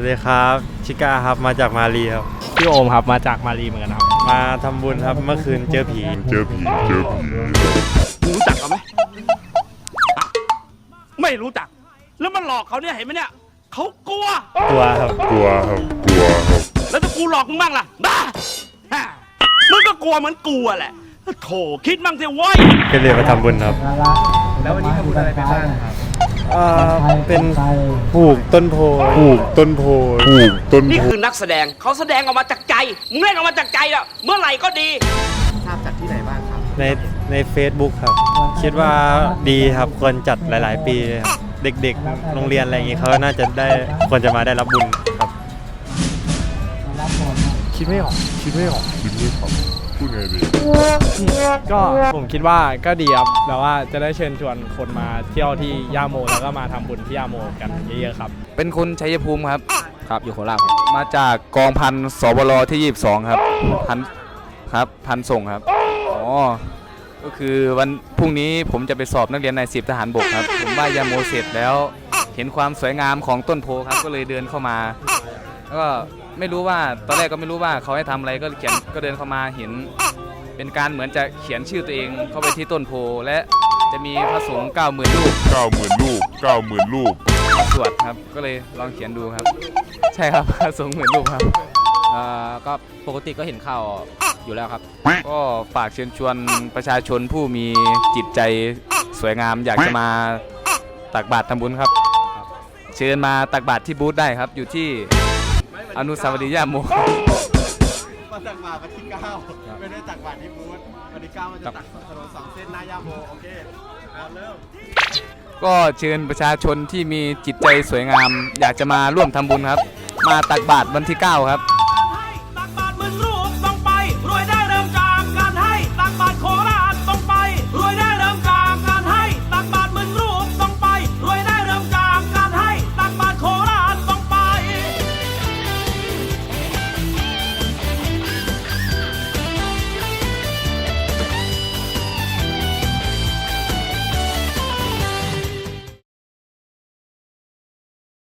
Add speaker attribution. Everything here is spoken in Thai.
Speaker 1: ดีครับชิก้าครับมาจากมาลีครับ
Speaker 2: พี่โอมครับมาจากมาลีเหมือนกันครับ
Speaker 1: มาทำบุญครับเมื่อคืนเจอผี
Speaker 3: รู้จักเขาไหมไม่รู้จักแล้วมันหลอกเขาเนี่ยเห็นไหมเนี่ยเขากลัว
Speaker 1: ครับ
Speaker 3: แล้วถ้ากูหลอกมึงบ้างล่ะบ้ามึงก็กลัวเหมือนกูแหละโถคิดบ้างสิว้ย
Speaker 1: ก็เลยมาทำบุญครับ
Speaker 2: แล้ววันนี้ทำบุญอะไรไปบ้างครับ
Speaker 1: เป็นปลูกต้นโพ
Speaker 3: นี่คือนักแสดงเขาแสดงออกมาจากใจมึงเล่นออกมาจากใจแล้วเมื่อไหร่ก็ดี
Speaker 2: ทราบจากที่ไหนบ้างครับ
Speaker 1: ใน Facebook ครับคิดว่าดีครับควรจัดหลายๆปีครับเด็กๆโรงเรียนอะไรอย่างงี้เขาน่าจะได้ควรจะมาได้รับบุญครับ
Speaker 2: คิดไม่ออก
Speaker 4: พูดไงดี
Speaker 2: ก็ผมคิดว่าก็ดีครับแบบว่าจะได้เชิญชวนคนมาเที่ยวที่ย่าโมแล้วก็มาทำบุญที่ย่าโมกันเยอะๆครับ
Speaker 5: เป็นคนชัยภูมิครับครับอยู่โคราชมาจากกองพันสบลที่22ครับพันส่งครับอ๋อก็คือวันพรุ่งนี้ผมจะไปสอบนักเรียนนาย10ทหารบกครับผมว่ายาโมเสร็จแล้วเห็นความสวยงามของต้นโพครับก็เลยเดินเข้ามาแล้วก็ไม่รู้ว่าตอนแรกก็ไม่รู้ว่าเขาให้ทำอะไรก็เดินเข้ามาเห็นเป็นการเหมือนจะเขียนชื่อตัวเองเข้าไปที่ต้นโพและจะมีพระสงฆ์90,000 รูปสวดครับก็เลยลองเขียนดูครับใช่ครับพระสงฆ์10,000 รูปครับ
Speaker 6: ก็ปกติก็เห็นข่าวอยู่แล้วครับ
Speaker 5: ก็ฝากเชิญชวนประชาชนผู้มีจิตใจสวยงามอยากจะมาตักบาตรทำบุญครับเชิญมาตักบาตรที่บูธได้ครับอยู่ที่อนุสาวรีย์ย่าโม
Speaker 2: มาตักบาตรวันที่9ไม่ได้ตักบาตรที่บูธวันที่9มันจะตักถนน2 เส้นหน้าย่าโมโอเคเริ่ม
Speaker 5: ก็เชิญประชาชนที่มีจิตใจสวยงามอยากจะมาร่วมทำบุญครับมาตักบาตรวันที่9ครับ